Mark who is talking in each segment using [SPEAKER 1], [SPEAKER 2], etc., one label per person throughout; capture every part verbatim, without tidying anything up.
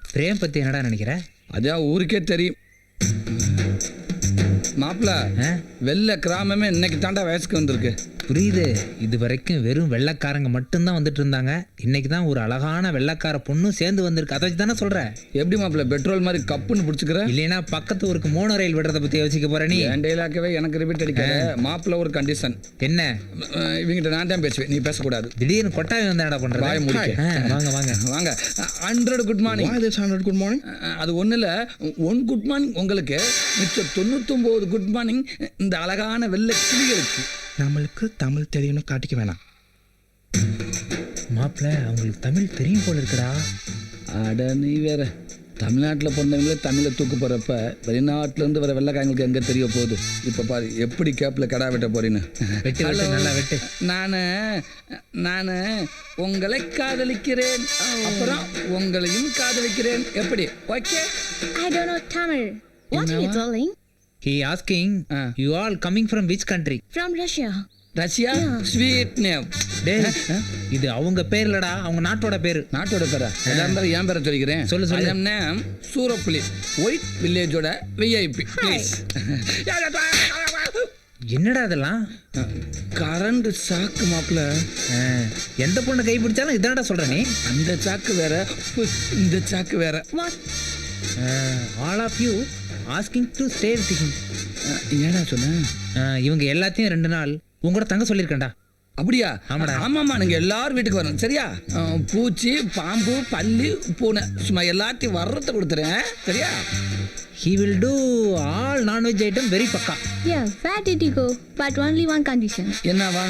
[SPEAKER 1] Frame பத்தி என்னடா நினைக்கிற?
[SPEAKER 2] அதான் ஊருக்கே தெரியும். மாப்பிள்ள வெள்ளை கிராமமே இன்னைக்கு தாண்டா வயசுக்கு வந்திருக்கு.
[SPEAKER 1] புரியுது. இது வரைக்கும் வெறும் வெள்ளைக்காரங்க மட்டும்தான் வந்துட்டு இருந்தாங்க. இன்னைக்கு தான் ஒரு அழகான வெள்ளைக்கார பொண்ணும் சேர்ந்து வந்திருக்கு. அதை வச்சு தானே சொல்கிறேன்.
[SPEAKER 2] எப்படி மாப்பிள்ள பெட்ரோல் மாதிரி கப்புன்னு பிடிச்சிக்கிற?
[SPEAKER 1] இல்லைன்னா பக்கத்து ஊருக்கு மோனோ ரயில் விடுறதை பற்றி யோசிக்க போற நீ?
[SPEAKER 2] என் டைலாக்கவே எனக்கு ரிப்பீட் அடிக்காத. மாப்பிள்ள ஒரு கண்டிஷன்.
[SPEAKER 1] என்ன?
[SPEAKER 2] இவங்கிட்ட நான் தான் பேசுவேன், நீ பேசக்கூடாது.
[SPEAKER 1] திடீர்னு கொட்டாவி வந்து என்ன பண்ற?
[SPEAKER 2] வாய முடிக்க.
[SPEAKER 1] வாங்க வாங்க
[SPEAKER 2] வாங்க. Hundred good morning.
[SPEAKER 3] Hundred good morning.
[SPEAKER 2] அது ஒன்றும் இல்லை, ஒன் குட் மார்னிங் உங்களுக்கு, மிச்சம் தொண்ணூத்தொம்பது குட் மார்னிங் இந்த அழகான வெள்ளை கிளிகளுக்கு.
[SPEAKER 3] நம்மளுக்கு தமிழ் தெரியும்னு காட்டிக்க வேணாம்.
[SPEAKER 1] மாப்பிள்ள அவங்களுக்கு தமிழ் தெரியும் போல இருக்குடா.
[SPEAKER 2] அட நீ வேற. தமிழ்நாட்டில் பிறந்தவங்களே தமிழை தூக்கு போகிறப்ப வெளிநாட்டிலேருந்து வர வெள்ளைக்காரங்களுக்கு எங்கே தெரிய போகுது? இப்போ பாரு எப்படி கேப்பில் கடா வெட்ட போறீன்னு.
[SPEAKER 1] வெட்டு வெட்டு நல்லா வெட்டு.
[SPEAKER 2] நான் நான் உங்களை காதலிக்கிறேன், அப்புறம் உங்களையும் காதலிக்கிறேன். எப்படி? Okay.
[SPEAKER 4] I don't know Tamil. What are you telling?
[SPEAKER 1] He asking,
[SPEAKER 2] uh.
[SPEAKER 1] you all coming from which country?
[SPEAKER 4] From Russia.
[SPEAKER 2] Russia. Sweet name.
[SPEAKER 1] டேய், இது அவங்க பேர் இல்லடா, அவங்க நாட்டோட பேரு.
[SPEAKER 2] நாட்டோட பேரா? எதா இருந்தாலும் என் பேரை சொல்லிக்கிறேன்.
[SPEAKER 1] சொல்லு சொல்லு.
[SPEAKER 2] நேம் சூரப்புலி, ஒயிட் வில்லேஜோட விஐபி.
[SPEAKER 1] என்னடா அதெல்லாம்?
[SPEAKER 2] கரண்ட் சாக்கு மாப்பிள்ள.
[SPEAKER 1] எந்த பொண்ணை கை பிடிச்சாலும் இதானடா சொல்ற நீ?
[SPEAKER 2] அந்த சாக்கு வேற, இந்த சாக்கு வேற.
[SPEAKER 4] What?
[SPEAKER 1] All of you asking to stay with him.
[SPEAKER 2] என்னடா சொன்ன?
[SPEAKER 1] இவங்க எல்லாத்தையும் ரெண்டு நாள் உங்களோட தங்க சொல்லியிருக்கேன்டா.
[SPEAKER 2] அப்படியா?
[SPEAKER 1] ஆமாடா.
[SPEAKER 2] ஆமாம்மா, நீங்கள் எல்லாரும் வீட்டுக்கு வரணும் சரியா? பூச்சி, பாம்பு, பல்லி, பூனை, சும்மா எல்லாத்தையும் வர்றதை கொடுத்துறேன் சரியா?
[SPEAKER 1] He will do all non-veg item very பக்கா.
[SPEAKER 4] Yeah, where did you go? But only one condition.
[SPEAKER 2] என்னவா?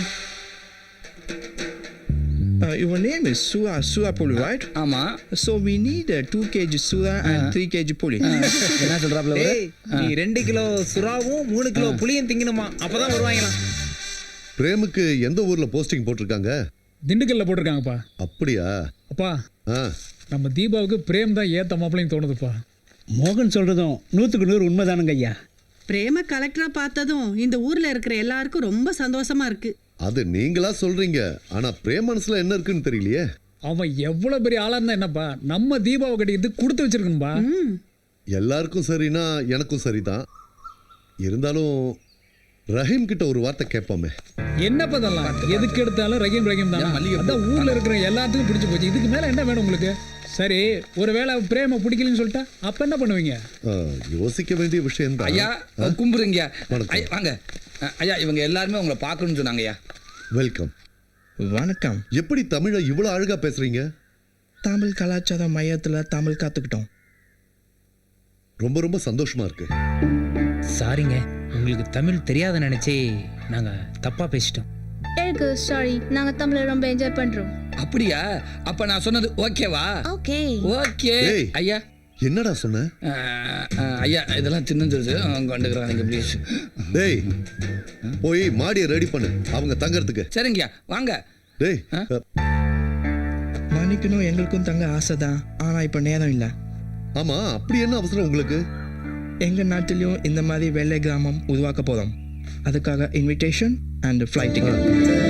[SPEAKER 3] Uh, your name is Sura Sura Puli, right?
[SPEAKER 2] ஆமா.
[SPEAKER 3] So we need uh, two kilograms Sura and three kilograms Puli.
[SPEAKER 2] என்ன சொல்றாப்ல?
[SPEAKER 1] நீ ரெண்டு kilo சுறாவும் மூணு kilo புளியும் திங்கணுமா, அப்பதான் வருவாங்களாம்.
[SPEAKER 5] பிரேமுக்கு எந்த ஊர்ல போஸ்டிங் போட்டிருக்காங்க?
[SPEAKER 6] திண்டுக்கல்ல போட்டிருக்காங்கப்பா.
[SPEAKER 5] அப்படியா?
[SPEAKER 6] அப்பா
[SPEAKER 5] ஆ,
[SPEAKER 6] நம்ம தீபாவுக்கு பிரேம் தான் ஏத்த மாப்பிள்ளைன்னு தோணுதுப்பா.
[SPEAKER 7] மோகன் சொல்றதும் நூற்றுக்கு நூறு உண்மைதானுங்க ஐயா.
[SPEAKER 8] பிரேம கலெக்டரா பார்த்ததும் இந்த ஊர்ல இருக்கிற எல்லாருக்கும் ரொம்ப சந்தோஷமா இருக்கு.
[SPEAKER 5] அது நீங்களா சொல்றீங்க, ஆனா பிரேம் மனசுல என்ன இருக்குன்னு தெரியலையே.
[SPEAKER 6] அவன் எவ்வளவு பெரிய ஆளா இருந்தா என்னப்பா, நம்ம தீபாவை கட்டிக்கிட்டு கொடுத்து வச்சிருக்கணும்பா.
[SPEAKER 5] எல்லாருக்கும் சரினா எனக்கும் சரிதான். இருந்தாலும் ரஹீம் கிட்ட ஒரு வார்த்தை கேட்போமே.
[SPEAKER 6] என்ன பதெல்லாம் எதுக்கு எடுத்தாலும் ரஹீம் ரஹீம் தான். அதான் ஊர்ல இருக்கிற எல்லாத்துக்கும் பிடிச்சு போச்சு. இதுக்கு மேல என்ன வேணும் உங்களுக்கு? சரி, ஒருவேளை பிரேம பிடிக்கலன்னு சொல்லிட்டா அப்ப என்ன பண்ணுவீங்க?
[SPEAKER 5] ஆ, யோசிக்க வேண்டிய விஷயம் தான்.
[SPEAKER 2] ஐயா கும்புறீங்க.
[SPEAKER 5] வணக்கம்.
[SPEAKER 2] ஐயா, வாங்க. ஐயா, இவங்க எல்லாருமே உங்களை பார்க்கணும்னு சொன்னாங்க. ஐயா
[SPEAKER 5] வெல்கம்.
[SPEAKER 3] வணக்கம்.
[SPEAKER 5] எப்படி தமிழை இவ்வளவு அழகா பேசுறீங்க?
[SPEAKER 3] தமிழ் கலாச்சார மையத்துல தமிழ் கத்துக்கிட்டோம்.
[SPEAKER 5] ரொம்ப ரொம்ப சந்தோஷமா இருக்கு.
[SPEAKER 1] சாரிங்க, உங்களுக்கு தமிழ் தெரியாத நினைச்சே நாங்க தப்பா பேசிட்டோம்.
[SPEAKER 4] எனக்கு சாரி, நாங்க தமிழை ரொம்ப என்ஜாய் பண்றோம்.
[SPEAKER 2] அப்படியா? அப்ப நான் சொன்னது ஓகேவா?
[SPEAKER 4] ஓகே.
[SPEAKER 2] ஓகே.
[SPEAKER 5] ஏய்,
[SPEAKER 2] ஐயா
[SPEAKER 5] என்னடா சொன்ன?
[SPEAKER 2] ஐயா இதெல்லாம் சின்ன கொண்டுக்கிறாங்க ப்ளீஸ்.
[SPEAKER 5] டேய், போய் மாடியை ரெடி பண்ணு அவங்க தங்கறதுக்கு.
[SPEAKER 2] சரிங்கய்யா, வாங்க.
[SPEAKER 5] டேய்,
[SPEAKER 3] மன்னிக்கணும், எங்களுக்கும் தங்க ஆசை தான், ஆனா இப்ப நேரம் இல்லை.
[SPEAKER 5] ஆமா, அப்படி என்ன அவசரம் உங்களுக்கு?
[SPEAKER 3] எங்க நாட்டிலையும் இந்த மாதிரி வெள்ளை கிராமம் உருவாக்க போறோம். அதுக்காக இன்விடேஷன் அண்ட் ஃப்ளைட் டிக்கெட்.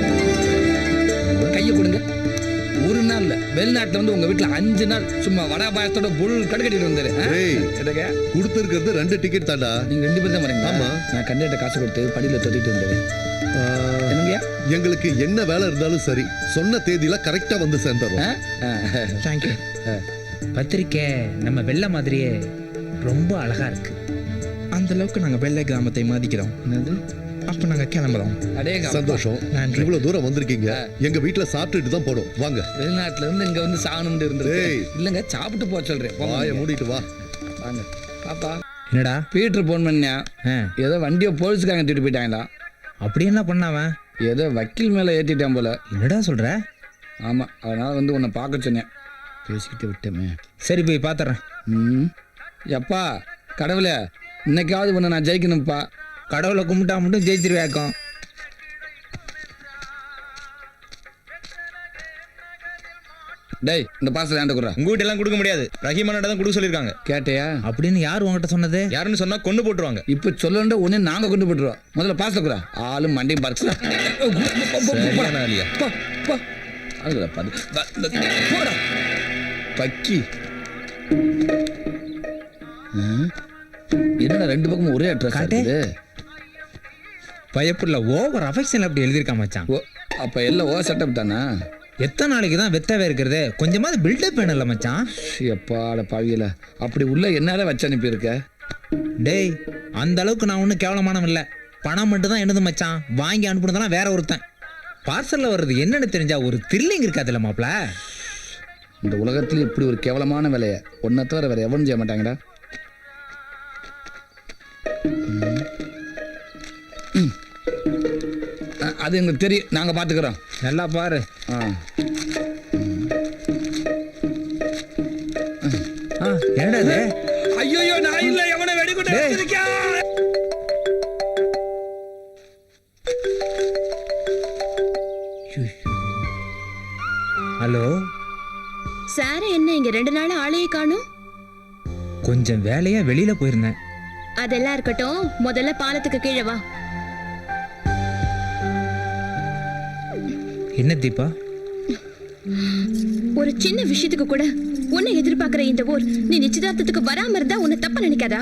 [SPEAKER 2] கையை கொடுங்க. ஒரு நாள் இல்ல, வெளிநாட்டுல வந்து உங்க வீட்டுல அஞ்சு நாள் சும்மா வடா பாயத்தோட புல் கடுக்கட்டிட்டு வந்தாரு.
[SPEAKER 5] கொடுத்துருக்கிறது ரெண்டு டிக்கெட் தாண்டா.
[SPEAKER 2] நீங்க ரெண்டு பேரும் தான் வரீங்க.
[SPEAKER 5] ஆமா,
[SPEAKER 2] நான் கண்டிப்பா காசு கொடுத்து படியில தொட்டிட்டு வந்தேன். என்னங்கய்யா?
[SPEAKER 5] எங்களுக்கு என்ன வேலை இருந்தாலும் சரி, சொன்ன தேதியில கரெக்டா வந்து சேர்ந்துறோம்.
[SPEAKER 3] தேங்க்யூ.
[SPEAKER 1] பத்திரிக்கை நம்ம வெள்ளை மாதிரியே ரொம்ப அழகா இருக்கு.
[SPEAKER 3] அந்த அளவுக்கு நாங்க வெள்ளை கிராமத்தை மதிக்கிறோம்.
[SPEAKER 2] என்னது?
[SPEAKER 3] அப்ப நாங்க கிளம்புறோம்.
[SPEAKER 5] சந்தோஷம். இவ்வளவு தூரம் வந்திருக்கீங்க, எங்க வீட்டுல சாப்பிட்டுட்டு தான் போடும். வாங்க.
[SPEAKER 2] வெளிநாட்டுல இருந்து இங்க வந்து சாகணும்னு இருந்தது இல்லங்க, சாப்பிட்டு போக சொல்றேன்.
[SPEAKER 5] வாயை மூடிட்டு வா.
[SPEAKER 2] வாங்க. பாப்பா.
[SPEAKER 1] என்னடா?
[SPEAKER 2] பீட்டர் போன் பண்ணியா? ஏதோ வண்டியை போலீஸ்காரங்க தூக்கிட்டு போயிட்டாங்களா?
[SPEAKER 1] அப்படி என்ன பண்ணாவன்?
[SPEAKER 2] ஏதோ வக்கீல் மேல ஏத்திட்டான் போல.
[SPEAKER 1] என்னடா சொல்ற?
[SPEAKER 2] ஆமா, அதனால வந்து உன்னை பார்க்க சொன்னேன். பேசிக்கிட்டு விட்டமே.
[SPEAKER 1] சரி, போய் பாத்துறேன்.
[SPEAKER 2] ம். எப்பா கடவுளே, இன்னைக்காவது உன்னை நான் ஜெயிக்கணும்ப்பா.
[SPEAKER 1] கடவுளை கும்பிட்டா மட்டும் ஜெயிச்சிருவேக்கம்.
[SPEAKER 2] டேய், இந்த பாசத்தை ஏன்டா குடுறா?
[SPEAKER 9] உங்க வீட்டெல்லாம் கொடுக்க முடியாது, ரஹீமானோட தான் கொடுக்க சொல்லியிருக்காங்க.
[SPEAKER 2] கேட்டையா?
[SPEAKER 1] அப்படின்னு யார் உங்ககிட்ட சொன்னது?
[SPEAKER 9] யாருன்னு சொன்னா கொண்டு போட்டுருவாங்க.
[SPEAKER 2] இப்ப சொல்லணும்டா உடனே நாங்க கொண்டு போட்டுருவோம். முதல்ல பாசத்தை குறா. ஆளும் மண்டையும் பார்த்து பக்கி என்னடா ரெண்டு பக்கமும் ஒரே அட்ரஸ்
[SPEAKER 1] காட்டு.
[SPEAKER 2] இருக்குது.
[SPEAKER 1] பயப்புள்ள ஓவர் அஃபெக்ஷன் அப்படி எழுதியிருக்கான் மச்சான்.
[SPEAKER 2] ஓ அப்போ எல்லாம் ஓ செட்டப் தானா?
[SPEAKER 1] எத்தனை நாளைக்கு தான் வெத்தவே இருக்கிறது? கொஞ்சமாவது பில்டப் வேணும்ல மச்சான்.
[SPEAKER 2] எப்பாட பாவியில அப்படி உள்ள என்னால வச்சு அனுப்பியிருக்க?
[SPEAKER 1] டேய், அந்த அளவுக்கு நான் ஒன்றும் கேவலமானவன் இல்லை. பணம் மட்டும் தான் என்னது மச்சான். வாங்கி அனுப்புனதெல்லாம் வேற ஒருத்தன். பார்சலில் வர்றது என்னன்னு தெரிஞ்சா ஒரு த்ரில்லிங் இருக்காதுல்ல மாப்பிள்ள.
[SPEAKER 2] இந்த உலகத்துல இப்படி ஒரு கேவலமான வேலையை ஒன்றை தவிர வேற எவனும் செய்ய மாட்டாங்கடா. ம். அ- அது எங்களுக்கு தெரியும், நாங்க பாத்துக்கிறோம்.
[SPEAKER 1] நல்லா பாரு.
[SPEAKER 2] ஆ
[SPEAKER 1] ஆ, என்னடா இது?
[SPEAKER 2] ஐயோ நான் இல்ல, எவனை வெடிகுண்டு
[SPEAKER 1] டேய்.
[SPEAKER 2] வச்சிருக்கேன்.
[SPEAKER 1] ஹலோ,
[SPEAKER 4] சார் என்ன இங்க ரெண்டு நாள் ஆளையே காணும்?
[SPEAKER 1] கொஞ்சம் வேலையா வெளியில போயிருந்தேன்.
[SPEAKER 4] அதெல்லாம் இருக்கட்டும், முதல்ல பாலத்துக்கு கீழே வா.
[SPEAKER 1] என்ன தீபா?
[SPEAKER 4] ஒரு சின்ன விஷயத்துக்கு கூட உன்னை எதிர்பார்க்கிற இந்த ஊர் நீ நிச்சயதார்த்தத்துக்கு வராம இருந்தா உன்னை தப்பா நினைக்காதா?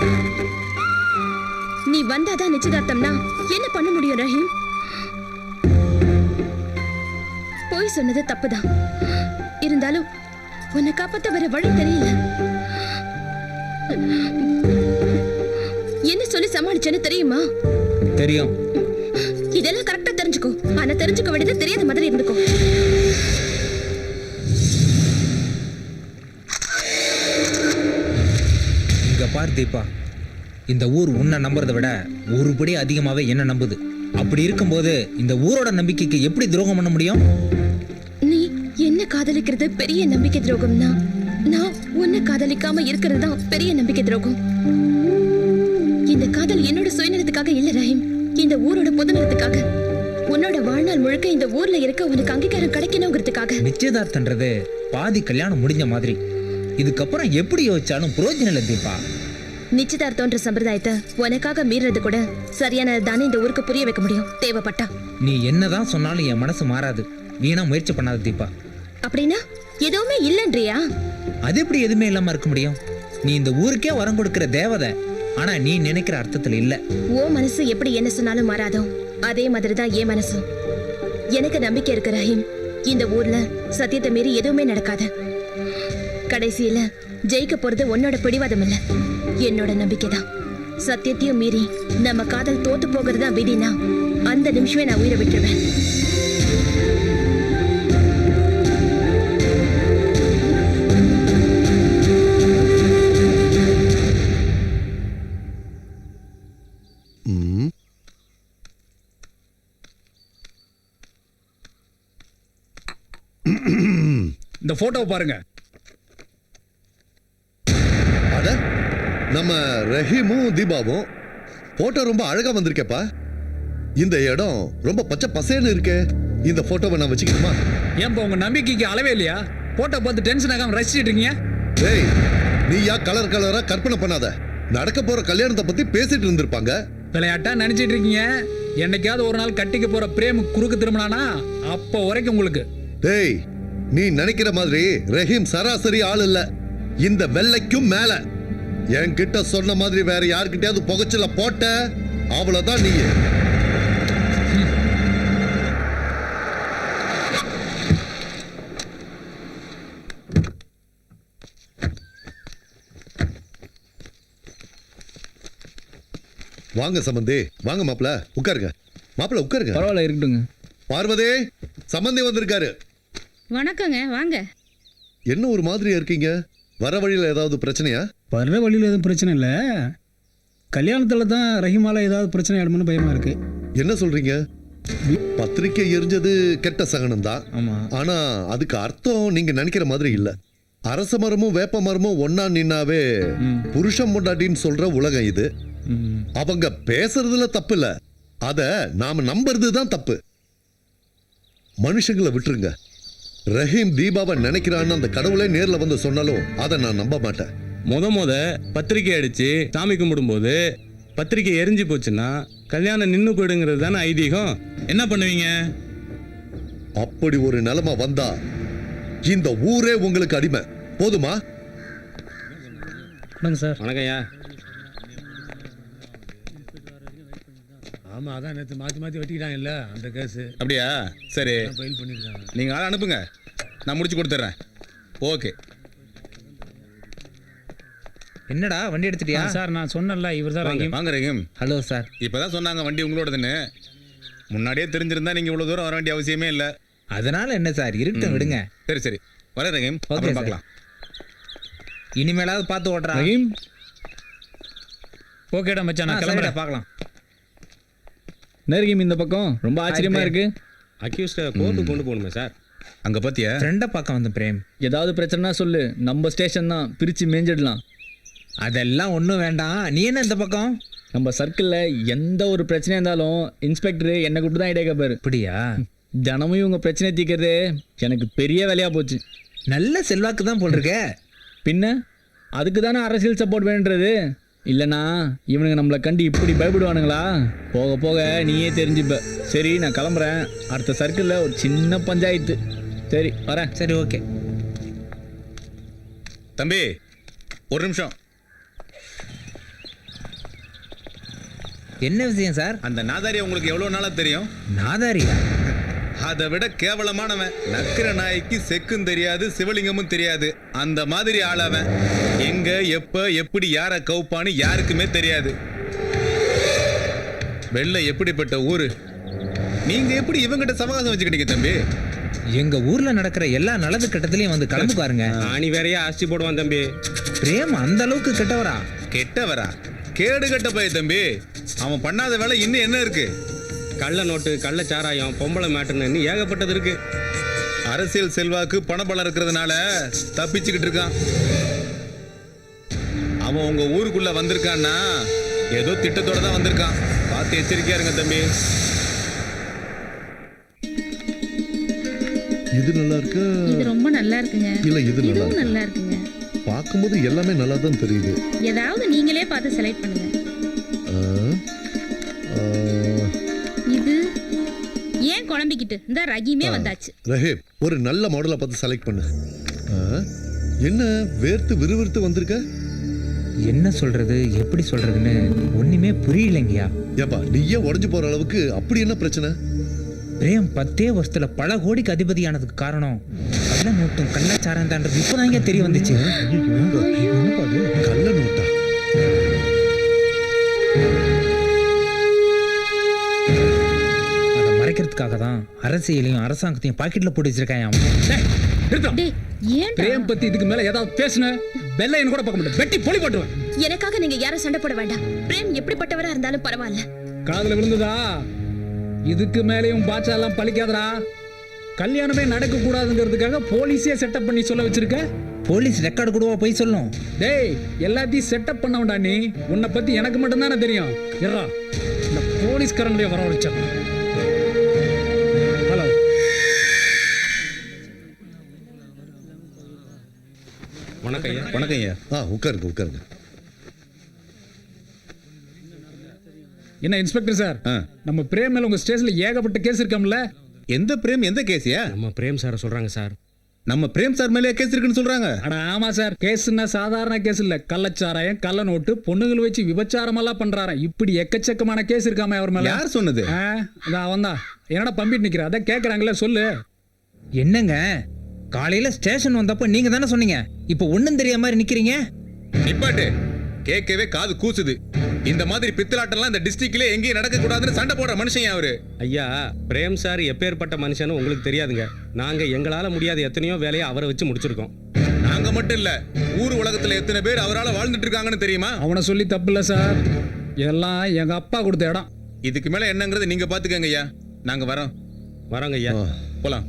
[SPEAKER 4] நீ வந்தாதான் நிச்சயதார்த்தம்னா என்ன பண்ண முடியும் ரஹீம்? போய் சொன்னது தப்புதான். இருந்தாலும் உன்னை காப்பாத்த வேற வழி தெரியல. என்ன சொல்லி சமாளிச்சேன்னு தெரியுமா?
[SPEAKER 1] தெரியும்.
[SPEAKER 4] இதெல்லாம் கரெக்டா தெரிஞ்சுக்கோ. ஆனா தெரிஞ்சுக்க வேண்டியது தெரியாத மாதிரி இருந்துக்கோ.
[SPEAKER 1] இங்க பார் தீபா, இந்த ஊர் உன்னை நம்புறதை விட ஒருபடி அதிகமாவே என்ன நம்புது. அப்படி இருக்கும்போது இந்த ஊரோட நம்பிக்கைக்கு எப்படி துரோகம் பண்ண முடியும்?
[SPEAKER 4] நீ என்ன காதலிக்கிறது பெரிய நம்பிக்கை துரோகம்னா, நான் உன்னை காதலிக்காம இருக்கிறது தான் பெரிய நம்பிக்கை துரோகம். இந்த காதல் என்னோட சுயநலத்துக்காக இல்ல ரஹீம், இந்த ஊரோட பொதுநலத்துக்காக. உன்னோட வாழ்நாள் முழுக்க இந்த ஊர்ல இருக்க உனக்கு அங்கீகாரம் கிடைக்கணுங்கிறதுக்காக.
[SPEAKER 1] நிச்சயதார்த்தன்றது பாதி கல்யாணம் முடிஞ்ச மாதிரி. இதுக்கப்புறம் எப்படி யோசிச்சாலும் பிரயோஜனம் இல்லை தீபா.
[SPEAKER 4] நிச்சயதார்த்தம்ன்ற சம்பிரதாயத்தை உனக்காக மீறது கூட சரியானது தானே இந்த ஊருக்கு புரிய வைக்க முடியும் தேவைப்பட்டா.
[SPEAKER 1] நீ என்னதான் சொன்னாலும் என் மனசு மாறாது. வீணா முயற்சி பண்ணாத தீபா.
[SPEAKER 4] அப்படின்னா எதுவுமே இல்லன்றியா?
[SPEAKER 1] அது எப்படி எதுவுமே இல்லாம இருக்க முடியும்? நீ இந்த ஊருக்கே வரம் கொடுக்கிற தேவதை. ஆனா நீ நினைக்கிற அர்த்தத்துல இல்ல.
[SPEAKER 4] ஓ மனசு எப்படி என்ன சொன்னாலும் மாறாதோ அதே மாதிரிதான் என் மனசும். எனக்கு நம்பிக்கை இருக்கு ரஹீம், இந்த ஊர்ல சத்தியத்தை மீறி எதுவுமே நடக்காது. கடைசியில ஜெயிக்க போறது உன்னோட பிடிவாதம் இல்ல, என்னோட நம்பிக்கை தான். சத்தியத்தையும் மீறி நம்ம காதல் தோத்து போகிறதா விதினா அந்த நிமிஷமே நான் உயிரை விட்டுருவேன்.
[SPEAKER 5] ம்.
[SPEAKER 6] இந்த போட்டோவை பாருங்க.
[SPEAKER 5] அட, நம்ம ரஹீமும் தீபாவும் போட்டோ ரொம்ப அழகா வந்திருக்கேப்பா. இந்த இடம் ரொம்ப பச்சை பசேன்னு இருக்கே. இந்த போட்டோவை நான் வச்சுக்கணுமா?
[SPEAKER 6] ஏன்பா உங்க நம்பிக்கைக்கு அளவே இல்லையா? போட்டோ பார்த்து டென்ஷன் ஆகாம ரசிச்சிட்டு இருக்கீங்க.
[SPEAKER 5] டேய், நீயா கலர் கலரா கற்பனை பண்ணாத. நடக்க போற கல்யாணத்தை பத்தி பேசிட்டு இருந்திருப்பாங்க.
[SPEAKER 6] விளையாட்டா நினைச்சிட்டு இருக்கீங்க. என்னைக்காவது ஒரு நாள் கட்டிக்க போற பிரேம் குறுக்கு திரும்பினானா அப்ப வரைக்கும் உங்களுக்கு.
[SPEAKER 5] டேய், நீ நினைக்கிற மாதிரி ரஹீம் சராசரி ஆள் இல்ல. இந்த வெள்ளைக்கும் மேல. என்கிட்ட சொன்ன மாதிரி வேற யார்கிட்டயாவது புகைச்சல போட்ட அவ்வளவுதான் நீ. வாங்க சம்பந்தி, வாங்க மாப்பிள, உட்காருங்க. மாப்பிள உட்காருங்க.
[SPEAKER 3] பரவாயில்ல, இருக்கட்டுங்க.
[SPEAKER 5] பார்வதி, சம்பந்தி வந்திருக்காரு.
[SPEAKER 4] வணக்கங்க, வாங்க.
[SPEAKER 5] என்ன ஒரு மாதிரியா இருக்கீங்க? வர வழியில ஏதாவது பிரச்சனையா?
[SPEAKER 7] வர்ற வழியில் எதுவும் பிரச்சனை இல்லை. கல்யாணத்தில் தான் ரஹிமால ஏதாவது பிரச்சனை ஆயிடுமோன்னு பயமா இருக்கு.
[SPEAKER 5] என்ன சொல்றீங்க? பத்திரிக்கை எரிஞ்சது கெட்ட சகனம் தான்.
[SPEAKER 1] ஆமா.
[SPEAKER 5] ஆனா அதுக்கு அர்த்தம் நீங்க நினைக்கிற மாதிரி இல்ல. அரச மரமும் வேப்ப மரமும் ஒன்னா நின்னாவே புருஷன் பொண்டாட்டின்னு சொல்ற உலகம் இது. அவங்க பேசுறதுல தப்பு இல்ல, அத நாம நம்புறது தான் தப்பு. மனுஷங்களை விட்டுருங்க. ரஹீம் தீபாவை நினைக்கிறான்னு அந்த கடவுளே நேர்ல வந்து சொன்னாலும் அதை நான் நம்ப மாட்டேன்.
[SPEAKER 10] முத முத பத்திரிக்கை அடிச்சு சாமி கும்பிடும்போது பத்திரிக்கை எரிஞ்சு போச்சுன்னா கல்யாணம் நின்று போயிடுங்கிறது தானே ஐதீகம். என்ன பண்ணுவீங்க?
[SPEAKER 5] அப்படி ஒரு நிலைமை வந்தா இந்த ஊரே உங்களுக்கு அடிமை. போதுமா?
[SPEAKER 7] வணக்கம் சார்.
[SPEAKER 10] வணக்கம் ஐயா.
[SPEAKER 7] ஆமாம், அதான் நேற்று மாற்றி மாற்றி வெட்டிக்கிட்டாங்க இல்லை அந்த கேஸு.
[SPEAKER 10] அப்படியா? சரி,
[SPEAKER 7] ஃபைல் பண்ணியிருக்காங்க.
[SPEAKER 10] நீங்கள் ஆளை அனுப்புங்க, நான் முடிச்சு கொடுத்துட்றேன். ஓகே.
[SPEAKER 1] என்னடா வண்டி எடுத்துட்டியா?
[SPEAKER 7] சார் நான் சொன்னேன்ல இவர் தான்
[SPEAKER 10] வாங்க வாங்க ரஹீம்.
[SPEAKER 1] Hello sir.
[SPEAKER 10] இப்போ தான் சொன்னாங்க வண்டி உங்களோடதுன்னு. முன்னாடியே தெரிஞ்சிருந்தா நீங்கள் இவ்வளோ தூரம் வர வேண்டிய அவசியமே இல்லை.
[SPEAKER 1] அதனால என்ன சார், இருக்கட்டும் விடுங்க.
[SPEAKER 10] சரி சரி, வர ரஹீம்.
[SPEAKER 1] ஓகே
[SPEAKER 10] அப்புறம்
[SPEAKER 1] சார்.
[SPEAKER 10] பார்க்கலாம்.
[SPEAKER 1] இனிமேலாவது பார்த்து ஓட்டுறா.
[SPEAKER 7] ரஹீம் ஓகேடா மச்சான், நான் கிளம்புறேன்.
[SPEAKER 1] பார்க்கலாம்.
[SPEAKER 7] நெருகிம் இந்த பக்கம் ரொம்ப ஆச்சரியமா இருக்கு.
[SPEAKER 10] அக்யூஸ்டை கோர்ட்டுக்கு கொண்டு போகணுமே சார். அங்கே பார்த்தியா?
[SPEAKER 1] ஃப்ரெண்டை பார்க்க வந்து பிரேம்.
[SPEAKER 7] ஏதாவது பிரச்சனைனா சொல்லு, நம்ம ஸ்டேஷன் தான், பிரித்து மேஞ்சிடலாம்.
[SPEAKER 1] அதெல்லாம் ஒன்றும் வேண்டாம். நீ என்ன இந்த பக்கம்?
[SPEAKER 7] நம்ம சர்க்கிளில் எந்த ஒரு பிரச்சனையாக இருந்தாலும் இன்ஸ்பெக்டர் என்னை கூப்பிட்டு தான் ஐடியா கேட்பாரு.
[SPEAKER 1] அப்படியா?
[SPEAKER 7] தினமும் இவங்க பிரச்சனை தீர்க்கறது எனக்கு பெரிய வேலையாக போச்சு.
[SPEAKER 1] நல்ல செல்வாக்கு தான் போட்டிருக்க.
[SPEAKER 7] பின்ன அதுக்கு தானே அரசியல் சப்போர்ட் வேணுன்றது. இல்லைனா இவனுங்க நம்மளை கண்டு இப்படி பயப்படுவானுங்களா? போக போக நீயே தெரிஞ்சுப்ப. சரி நான் கிளம்புறேன். அடுத்த சர்க்கிளில் ஒரு சின்ன பஞ்சாயத்து. சரி வரேன்.
[SPEAKER 1] சரி ஓகே.
[SPEAKER 10] தம்பி ஒரு நிமிஷம்.
[SPEAKER 1] என்ன விஷயம் சார்?
[SPEAKER 10] அந்த நாதாரி உங்களுக்கு எவ்வளோ நாளாக தெரியும்?
[SPEAKER 1] நாதாரியா?
[SPEAKER 10] அதை விட கேவலமானவன். நக்கிர நாய்க்கு செக்கும் தெரியாது, சிவலிங்கமும் தெரியாது. அந்த மாதிரி ஆளவன். எங்க எப்ப எப்படி யாரை கவுப்பான்னு யாருக்குமே தெரியாது. வெள்ளை எப்படிப்பட்ட ஊரு. நீங்க எப்படி இவங்கிட்ட சமகாசம் வச்சுக்கிட்டீங்க தம்பி?
[SPEAKER 1] எங்க ஊர்ல நடக்கிற எல்லா நல்லது கெட்டத்திலையும் வந்து கலந்து பாருங்க.
[SPEAKER 10] ஆணி வேறையா ஆஸ்தி போடுவான் தம்பி.
[SPEAKER 1] பிரேம் அந்த அளவுக்கு கெட்டவரா?
[SPEAKER 10] கெட்டவரா? கேடு கெட்ட போய் தம்பி. அவன் பண்ணாத வேலை இன்னும் என்ன இருக்கு?
[SPEAKER 11] கள்ள நோட்டு, கள்ள சாராயம், பொம்பளை மேட்டுன்னு ஏகப்பட்டது இருக்கு.
[SPEAKER 10] அரசியல் செல்வாக்கு பணபலம் இருக்கிறதுனால தப்பிச்சுக்கிட்டு இருக்கான். அவன் உங்க ஊருக்குள்ள வந்திருக்கான்னா ஏதோ திட்டத்தோட தான் வந்திருக்கான். பார்த்து எச்சரிக்கையா இருங்க தம்பி.
[SPEAKER 5] இது நல்லா இருக்கா?
[SPEAKER 4] இது ரொம்ப நல்லா இருக்குங்க.
[SPEAKER 5] இல்ல இது நல்லா
[SPEAKER 4] இதுவும்
[SPEAKER 5] இருக்கு.
[SPEAKER 4] நல்லா இருக்குங்க.
[SPEAKER 5] பார்க்கும்போது எல்லாமே நல்லா தான் தெரியுது.
[SPEAKER 4] ஏதாவது நீங்களே பார்த்து செலக்ட் பண்ணுங்க.
[SPEAKER 5] ஆ, ஆ,
[SPEAKER 4] இது ஏன் குழம்பிக்கிட்டு இந்த ரகிமே வந்தாச்சு.
[SPEAKER 5] ரஹீம் ஒரு நல்ல மாடலை பார்த்து செலக்ட் பண்ணு. ஆ, என்ன வேர்த்து விறுவிறுத்து வந்திருக்க?
[SPEAKER 1] என்ன சொல்றது, எப்படி சொல்றதுன்னு ஒண்ணுமே புரியலைங்கயா.
[SPEAKER 5] ஏப்பா நீயே உடஞ்சு போற அளவுக்கு அப்படி என்ன பிரச்சனை?
[SPEAKER 1] பிரேம் பத்தே வருஷத்துல பல கோடிக்கு அதிபதியானதுக்கு காரணம் கள்ள நோட்டும் கள்ளச்சாரம் தான்றது இப்பதாங்க தெரிய வந்துச்சு.
[SPEAKER 5] கள்ள நோட்டா?
[SPEAKER 1] அதை மறைக்கிறதுக்காக தான் அரசியலையும் அரசாங்கத்தையும் பாக்கெட்ல போட்டு வச்சிருக்கான்.
[SPEAKER 4] ஏன்
[SPEAKER 6] பிரேம் பத்தி இதுக்கு மேல ஏதாவது பேசுன வெள்ளையன் கூட பார்க்க மாட்டேன், வெட்டி பொலி போட்டுருவேன்.
[SPEAKER 4] எனக்காக நீங்க யாரும் சண்டை போட வேண்டாம். பிரேம் எப்படிப்பட்டவரா இருந்தாலும் பரவாயில்ல.
[SPEAKER 6] காதுல விழுந்ததா? இதுக்கு மேலேயும் பாட்சா எல்லாம் பழிக்காதடா. கல்யாணமே நடக்க கூடாதுங்கிறதுக்காக போலீஸே செட்டப் பண்ணி சொல்ல வச்சிருக்க.
[SPEAKER 1] போலீஸ் ரெக்கார்டு கூடவா போய் சொல்லும்?
[SPEAKER 6] டேய் எல்லாத்தையும் செட்டப் பண்ண வேண்டாம். நீ உன்னை பத்தி எனக்கு மட்டும் தானே தெரியும். எறா இந்த போலீஸ்காரங்களே வர வச்சேன். ஹலோ
[SPEAKER 11] வணக்கம் ஐயா.
[SPEAKER 10] வணக்கம் ஐயா.
[SPEAKER 5] ஆ உட்காருங்க உட்காருங்க.
[SPEAKER 6] என்ன இன்ஸ்பெக்டர் சார்,
[SPEAKER 10] ஆ.
[SPEAKER 6] நம்ம பிரேம் மேல உங்க ஸ்டேஷன்ல ஏகப்பட்ட கேஸ் இருக்காம்ல?
[SPEAKER 10] எந்த பிரேம் எந்த கேஸியா?
[SPEAKER 11] நம்ம பிரேம் சாரை சொல்றாங்க சார்.
[SPEAKER 10] நம்ம பிரேம் சார் மேலே கேஸ் இருக்குன்னு சொல்றாங்க.
[SPEAKER 6] அட ஆமா சார், கேஸ்னா சாதாரண கேஸ் இல்ல. கள்ளச்சாராயம், கள்ள நோட்டு, பொண்ணுகள் வச்சு விபச்சாரம் எல்லாம் பண்றாராம். இப்படி எக்கச்சக்கமான கேஸ் இருக்காம அவர் மேல.
[SPEAKER 10] யார் சொன்னது?
[SPEAKER 6] அதான் அவன் தான். என்னடா பம்பிட்டு நிக்கிற? அதான் கேக்குறாங்களே, சொல்லு.
[SPEAKER 1] என்னங்க காலையில ஸ்டேஷன் வந்தப்ப நீங்க தானே சொன்னீங்க, இப்ப ஒண்ணும் தெரியாத மாதிரி நிக்கிறீங்க.
[SPEAKER 10] நிப்பாட்டு. கேட்கவே காது கூசுது. இந்த மாதிரி பித்தலாட்டம்லாம் இந்த டிஸ்ட்ரிக்ட்ல எங்கேயும் நடக்க கூடாதுன்னு சண்டை போடுற மனுஷன் அவரு.
[SPEAKER 11] ஐயா பிரேம் சார் எப்பேற்பட்ட மனுஷன்னு உங்களுக்கு தெரியாதுங்க. நாங்க எங்களால முடியாத எத்தனையோ வேலையை அவரை வச்சு முடிச்சிருக்கோம்.
[SPEAKER 10] நாங்க மட்டும் இல்ல, ஊர் உலகத்துல எத்தனை பேர் அவரால வாழ்ந்துட்டு இருக்காங்கன்னு தெரியுமா?
[SPEAKER 6] அவனை சொல்லி தப்பு இல்ல சார், எல்லாம் எங்க அப்பா கொடுத்த இடம்.
[SPEAKER 10] இதுக்கு மேல என்னங்கிறது நீங்க பாத்துக்கங்க ஐயா. நாங்க வரோம்.
[SPEAKER 11] வரோங்க ஐயா.
[SPEAKER 10] போலாம்.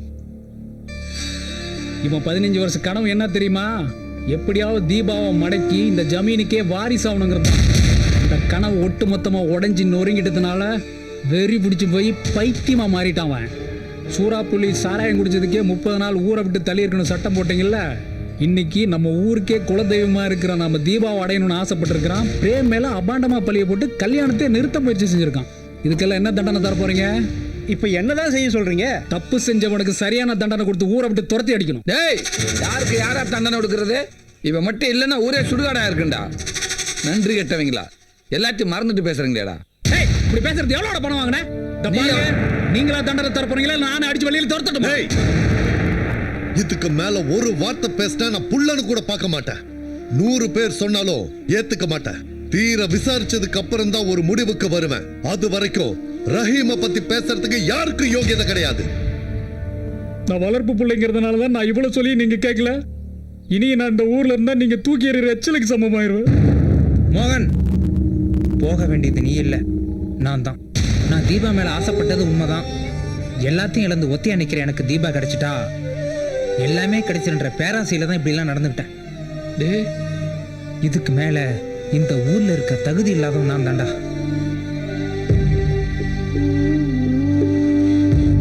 [SPEAKER 6] இவன் பதினஞ்சு வருஷம் கனவு என்ன தெரியுமா? எப்படியாவது தீபாவை மடக்கி இந்த ஜமீனுக்கே வாரிசு ஆகணுங்கிறது. இந்த கனவு ஒட்டு மொத்தமா உடஞ்சி நொறுங்கிட்டதுனால வெறி பிடிச்சி போய் பைத்தியமா மாறிட்டான் அவன். சூறாப்புள்ளி சாராயம் குடிச்சதுக்கே முப்பது நாள் ஊரை விட்டு தள்ளி இருக்கணும் சட்டம் போட்டீங்கல்ல. இன்னைக்கு நம்ம ஊருக்கே குலதெய்வமா இருக்கிற நம்ம தீபாவை அடையணும்னு ஆசைப்பட்டிருக்கிறான். பிரேம் மேல அபாண்டமா பழிய போட்டு கல்யாணத்தை நிறுத்த முயற்சி செஞ்சிருக்கான். இதுக்கெல்லாம் என்ன தண்டனை தர போறீங்க?
[SPEAKER 7] இப்போ என்னதான் செய்ய சொல்றீங்க?
[SPEAKER 6] தப்பு செஞ்சவனுக்கு சரியான தண்டனை கொடுத்து ஊரை விட்டு துரத்தி அடிக்கணும்.
[SPEAKER 2] டேய் யாருக்கு யாரா தண்டனை கொடுக்கறது? இவன் மட்டும் இல்லைன்னா ஊரே சுடுகாடா இருக்குண்டா. நன்றி கெட்டவங்களா, எல்லாத்தையும் மறந்துட்டு பேசுறீங்களேடா.
[SPEAKER 6] ஏய், இப்படி பேசுறது எவ்வளோட பணம் வாங்கின? இந்த பாருங்க, நீங்களா தண்டனை தர போறீங்களா? நானே அடிச்சு வெளியில துரத்தட்டுமா?
[SPEAKER 5] ஏய், இதுக்கு மேல ஒரு வார்த்தை பேசினா நான் புள்ளன்னு கூட பார்க்க மாட்டேன். நூறு பேர் சொன்னாலும் ஏத்துக்க மாட்டேன். தீர விசாரிச்சதுக்கு அப்புறம் தான் ஒரு முடிவுக்கு வருவேன். அது வரைக்கும் ரஹீமை பத்தி பேசுறதுக்கு யாருக்கும் யோகியதை கிடையாது.
[SPEAKER 6] நான் வளர்ப்பு பிள்ளைங்கிறதுனால தான் நான் இவ்வளவு சொல்லி நீங்க கேட்கல. இனி நான் இந்த ஊர்ல இருந்தா நீங்க தூக்கி எறிகிற எச்சலுக்கு சமமாயிருவேன்.
[SPEAKER 1] மோகன், போக வேண்டியது நீ இல்லை, நான் தான். நான் தீபா மேல ஆசைப்பட்டது உண்மைதான். எல்லாத்தையும் இழந்து ஒத்தியா நிக்கிற எனக்கு தீபா கிடைச்சிட்டா எல்லாமே கிடைச்சிருன்ற பேராசையில தான் இப்படிலாம் நடந்துக்கிட்டேன்.
[SPEAKER 2] டே,
[SPEAKER 1] இதுக்கு மேல இந்த ஊர்ல இருக்க தகுதி இல்லாதவன் நான் தாண்டா.